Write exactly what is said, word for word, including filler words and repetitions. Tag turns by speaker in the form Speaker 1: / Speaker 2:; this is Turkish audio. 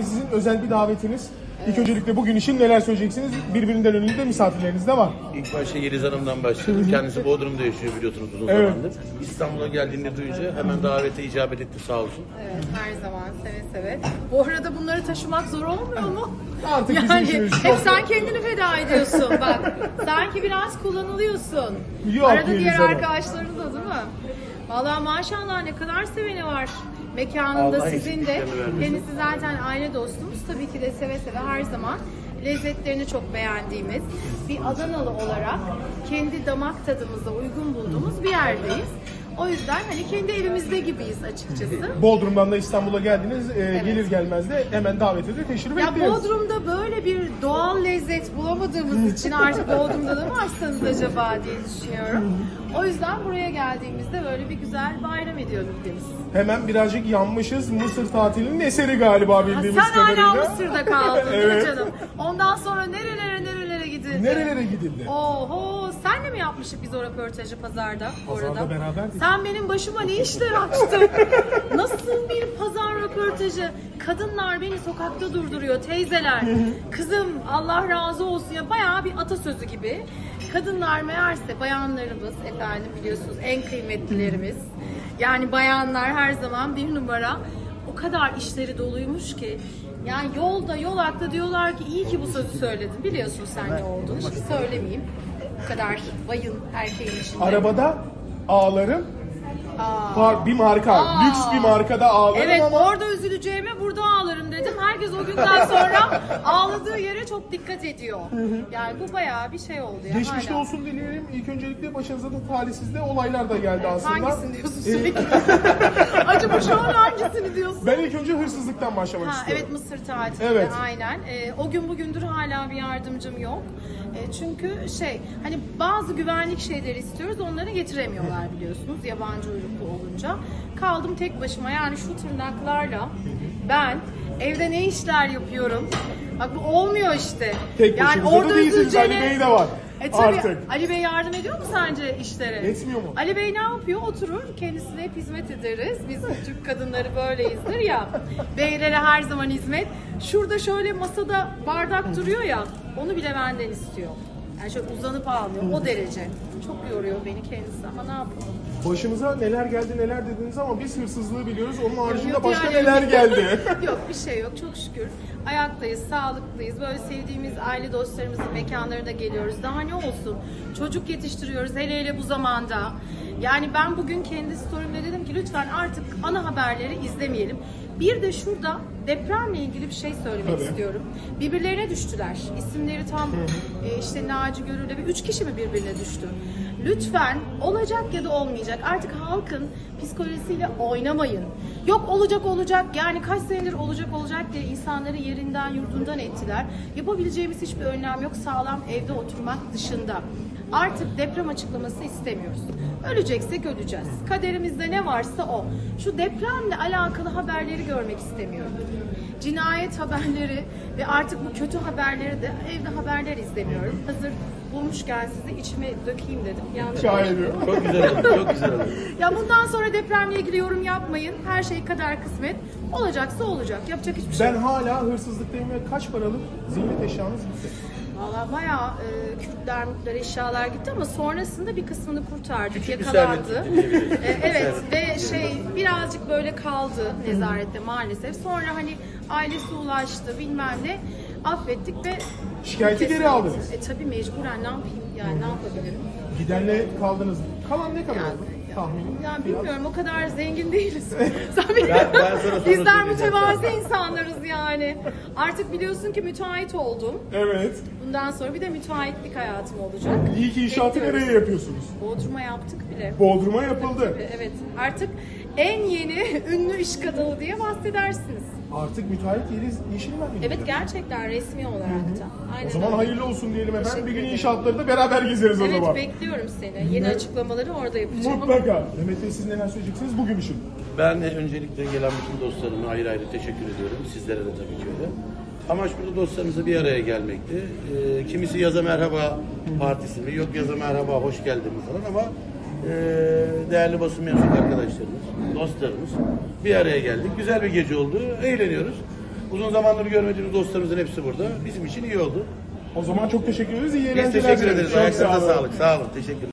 Speaker 1: sizin özel bir davetiniz. İlk öncelikle bugün için neler söyleyeceksiniz? Birbirinden önünde misafirleriniz de var.
Speaker 2: İlk başta Yeliz Hanım'dan başladım. Kendisi Bodrum'da yaşıyor biliyorsunuz uzun
Speaker 1: Evet.
Speaker 2: zamandır. İstanbul'a geldiğinde duyunca hemen davete icabet etti sağ olsun.
Speaker 3: Evet, her zaman seve seve. Bu arada bunları taşımak zor olmuyor mu?
Speaker 1: Artık bizim
Speaker 3: Yani
Speaker 1: işimiz
Speaker 3: hep
Speaker 1: çok.
Speaker 3: sen kendini feda ediyorsun bak. Sanki biraz kullanılıyorsun.
Speaker 1: Yok
Speaker 3: Arada
Speaker 1: Yeliz
Speaker 3: diğer
Speaker 1: Hanım.
Speaker 3: arkadaşların da değil mi? Vallahi maşallah ne kadar seveni var. Mekanında
Speaker 2: Allah
Speaker 3: sizin de.
Speaker 2: eksikliklerini vermesin.
Speaker 3: Kendisi zaten aile dostumuz. Tabii ki de seve seve her zaman lezzetlerini çok beğendiğimiz bir Adanalı olarak kendi damak tadımıza uygun bulduğumuz bir yerdeyiz. O yüzden hani kendi evimizde gibiyiz açıkçası.
Speaker 1: Bodrum'dan da İstanbul'a geldiniz. Ee, Gelir gelmez de hemen davete de teşrif
Speaker 3: Ya
Speaker 1: ettiniz.
Speaker 3: Bodrum'da böyle bir doğal lezzet bulamadığımız için artık Bodrum'da da mı açsanız acaba diye düşünüyorum. O yüzden buraya geldiğimizde böyle bir güzel bayram ediyorduk biz.
Speaker 1: Hemen birazcık yanmışız. Mısır tatilinin eseri galiba
Speaker 3: Ha,
Speaker 1: bildiğimiz
Speaker 3: sen hala
Speaker 1: kadarıyla.
Speaker 3: Mısır'da kaldın değil
Speaker 1: Evet.
Speaker 3: mi canım? Ondan sonra nerelere nerelere gidildi?
Speaker 1: Nerelere gidildi?
Speaker 3: Oho, senle mi yapmıştık biz o röportajı pazarda? bu
Speaker 1: Pazarda
Speaker 3: arada?
Speaker 1: beraberdik.
Speaker 3: Sen benim başıma ne işler açtın? Nasıl bir pazar röportajı? Kadınlar beni sokakta durduruyor, teyzeler. Kızım Allah razı olsun ya, bayağı bir atasözü gibi. Kadınlar meğerse bayanlarımız, efendim biliyorsunuz en kıymetlilerimiz. Yani bayanlar her zaman bir numara. O kadar işleri doluymuş ki. Yani yolda, yolakta diyorlar ki iyi ki bu sözü söyledin. Biliyorsun sen ne olduğunu. Şimdi söylemeyeyim. Bu kadar bayın erkeğin içinde.
Speaker 1: Arabada ağlarım.
Speaker 3: Aa.
Speaker 1: Par- bir marka,
Speaker 3: Aa.
Speaker 1: lüks bir markada ağlarım
Speaker 3: Evet,
Speaker 1: ama
Speaker 3: orada üzüleceğime burada ağlarım dedim. Herkes o günden sonra ağladığı yere çok dikkat ediyor. Yani bu bayağı bir şey oldu ya.
Speaker 1: geçmişte
Speaker 3: hala.
Speaker 1: olsun dileyelim. İlk öncelikle başınıza da talihsizde olaylar da geldi aslında.
Speaker 3: Hangisini diyorsun
Speaker 1: Ee,
Speaker 3: sürekli? Acaba şu an hangisini diyorsun?
Speaker 1: Ben ilk önce hırsızlıktan başlamak
Speaker 3: Ha,
Speaker 1: istiyorum.
Speaker 3: evet, Mısır tatilinde
Speaker 1: Evet.
Speaker 3: aynen. Ee, o gün bugündür hala bir yardımcım yok. Ee, çünkü şey hani bazı güvenlik şeyleri istiyoruz, onları getiremiyorlar biliyorsunuz yabancı uyruklu olunca. Kaldım tek başıma, yani şu tırnaklarla ben evde ne işler yapıyorum. Bak bu olmuyor işte.
Speaker 1: Tek
Speaker 3: yani
Speaker 1: başınıza
Speaker 3: orada
Speaker 1: da değilsiniz. Ali
Speaker 3: üzüleceğine-
Speaker 1: Bey de var.
Speaker 3: E tabii,
Speaker 1: Artık.
Speaker 3: Ali Bey yardım ediyor mu sence işlere?
Speaker 1: Etmiyor mu?
Speaker 3: Ali Bey ne yapıyor? Oturur, kendisine hep hizmet ederiz. Biz Türk kadınları böyleyizdir ya. Beylere her zaman hizmet. Şurada şöyle masada bardak duruyor ya, onu bile benden istiyor. Yani şöyle uzanıp ağlıyor, o derece. Çok yoruyor beni kendisi ama ne yapalım?
Speaker 1: Başımıza neler geldi neler dediniz ama biz hırsızlığı biliyoruz. Onun haricinde
Speaker 3: Yok
Speaker 1: başka
Speaker 3: yani.
Speaker 1: neler geldi?
Speaker 3: Yok, bir şey yok çok şükür. Ayaktayız, sağlıklıyız. Böyle sevdiğimiz aile dostlarımızın mekanlarına geliyoruz. Daha ne olsun? Çocuk yetiştiriyoruz hele hele bu zamanda. Yani ben bugün kendi story'imde dedim ki lütfen artık ana haberleri izlemeyelim. Bir de şurada depremle ilgili bir şey söylemek
Speaker 1: Tabii.
Speaker 3: istiyorum. Birbirlerine düştüler. İsimleri tam e, işte Naci Görür'le bir üç kişi mi birbirine düştü? Lütfen olacak ya da olmayacak. Artık halkın psikolojisiyle oynamayın. Yok olacak olacak, yani kaç senedir olacak olacak diye insanları yerinden yurdundan ettiler. Yapabileceğimiz hiçbir önlem yok sağlam evde oturmak dışında. Artık deprem açıklaması istemiyoruz. Öleceksek öleceğiz. Kaderimizde ne varsa o. Şu depremle alakalı haberleri görmek istemiyorum. Cinayet haberleri ve artık bu kötü haberleri de evde haberler izlemiyorum. Hazır bulmuşken size içime dökeyim dedim. Yanlış
Speaker 1: Şahit ediyorum.
Speaker 2: Çok güzel oldu, çok güzel oldu.
Speaker 3: Ya bundan sonra depremle ilgili yorum yapmayın. Her şey kader kısmet. Olacaksa olacak. Yapacak hiçbir şey
Speaker 1: Ben
Speaker 3: yok.
Speaker 1: hala hırsızlıktayım ve kaç paralık ziynet eşyanız gitti?
Speaker 3: Valla bayağı e, Kürtler, Mürtler eşyalar gitti ama sonrasında bir kısmını kurtardık.
Speaker 2: Küçük bir
Speaker 3: Yakalandı.
Speaker 2: servet diyebiliriz.
Speaker 3: E, evet
Speaker 2: Servet.
Speaker 3: ve şey birazcık böyle kaldı nezarette maalesef. Sonra hani ailesi ulaştı bilmem ne. Affettik ve
Speaker 1: Şikayeti geri aldınız.
Speaker 3: E tabii mecburen ne yapayım yani ne yapabilirim?
Speaker 1: Gidenle kaldınız. Kalan ne kadar
Speaker 3: Yani,
Speaker 1: oldu? Tahmini.
Speaker 3: Yani bilmiyorum, o kadar zengin değiliz. Sen
Speaker 2: Ben- ben sana sonra
Speaker 3: Bizler
Speaker 2: söyleyeceğim.
Speaker 3: mütevazi insanlarız yani. Artık biliyorsun ki müteahhit oldum.
Speaker 1: Evet.
Speaker 3: Bundan sonra bir de müteahhitlik hayatım olacak.
Speaker 1: İyi ki inşaatı
Speaker 3: Bekliyoruz.
Speaker 1: nereye yapıyorsunuz?
Speaker 3: Bodrum'a yaptık bile.
Speaker 1: Bodrum'a yapıldı.
Speaker 3: Evet, artık en yeni ünlü iş kadını diye bahsedersiniz.
Speaker 1: Artık müteahhit Yeliz Yeşilmen mi?
Speaker 3: Evet, gerçekten resmi olarak da. Aynen
Speaker 1: O zaman
Speaker 3: öyle.
Speaker 1: hayırlı olsun diyelim efendim.
Speaker 3: Teşekkür
Speaker 1: Bir gün
Speaker 3: ederim.
Speaker 1: inşaatları da beraber gezeriz o
Speaker 3: Evet,
Speaker 1: zaman.
Speaker 3: bekliyorum seni. Yeni açıklamaları orada yapacağım.
Speaker 1: Mutlaka. Mehmet Bey siz neler söyleyeceksiniz bugün için?
Speaker 2: Ben de öncelikle gelen bütün dostlarıma ayrı ayrı teşekkür ediyorum. Sizlere de tabii ki öyle. Amaç burada dostlarımızla bir araya gelmekti. Ee, kimisi yaza merhaba partisi mi, yok yaza merhaba hoş geldin mi falan ama e, değerli basın mensup arkadaşlarımız, dostlarımız bir araya geldik. Güzel bir gece oldu, eğleniyoruz. Uzun zamandır görmediğimiz dostlarımızın hepsi burada. Bizim için iyi oldu.
Speaker 1: O zaman çok teşekkür ederiz. İyi
Speaker 2: Biz
Speaker 1: eğlenceler
Speaker 2: teşekkür
Speaker 1: dileriz.
Speaker 2: ederiz.
Speaker 1: Çok sağ
Speaker 2: Ayaklarınıza
Speaker 1: olun.
Speaker 2: sağlık. Sağ olun. Teşekkür